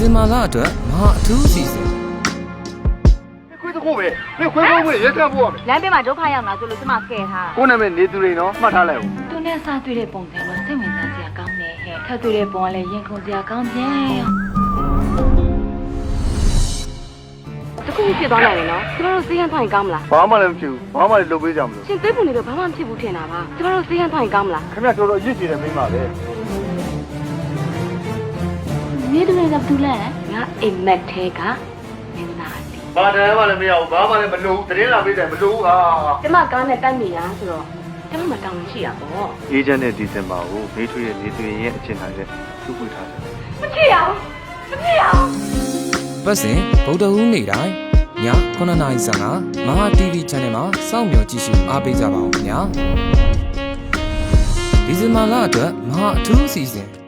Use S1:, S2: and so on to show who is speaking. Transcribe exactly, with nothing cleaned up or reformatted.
S1: ဇင်ဘာလအတွက်မဟာအထူးအစီအစဉ်
S2: ခွေးတစ်ခုပဲနေခွေးကုန်းဝင်ရဲကပ်ဖို့ရမယ်
S3: လမ်းဘေးမှာဒုက္ခရောက်လာဆိုလို့ကျမကဲထား
S2: ကိုနာမည်နေသူတွေနော်မှတ်ထားလိုက်ဦး
S3: သူနဲ့စားတွေ့တဲ့ပုံစံတော့စိတ်ဝင်စားစရာကောင်းတယ်ဟဲ့ထပ်တွေ့တဲ့ပုံကလည်းရင်ခုန်စရာကောင်းပြန်တခုဖြစ်သွားနိုင်တယ်နော်ကျမတို့စေးရန်ထိုင်ကောင်းမလား
S2: ဘာမှလည်းမဖြစ်ဘူးဘာမှလည်းလုပ်ပေးကြမလို့
S3: ရှင်သိပုံတွေတော့ဘာမှမဖြစ်ဘူးထင်တာပါကျမတို့စေးရန်ထိုင်ကောင်းမလား
S2: ခင်ဗျတော်တော်ရစ်ကြည့်တယ်မိန်းမပဲ
S3: နေတူနေတာဘူးလဲငါအိမ်မက်ထဲကမင်းသားတီ
S2: ဘာတည်းမှလည်းမရဘူးဘာမှလည်းမလုပ်ဘူးတရင်လာပေးတယ်မလုပ်ဘူးဟာ
S3: ကျမကားနဲ့တိုက်မိရဆိုတော့ကျမမတောင်းရှိရပေါ့
S2: အေဂျင့်နဲ့ဒီဇင်ဘာကိုမေးထွေးရဲ့နေသူရင်ရဲ့အချင်းတိုင်းနဲ့သူ့ပွေထားတယ်
S3: မဖြစ်ရဘူးမဖြစ်ရဘူး
S1: ပတ်စဉ်ဗုဒ္ဓဟူးနေ့တိုင်းည9နာရီဆန်ကမဟာ တီဗီ channel မှာစောင့်မျှော်ကြည့်ရှုအားပေးကြပါဦးခင်ဗျာဒီဇင်ဘာလအတွက်မဟာအထူးအစီအစဉ်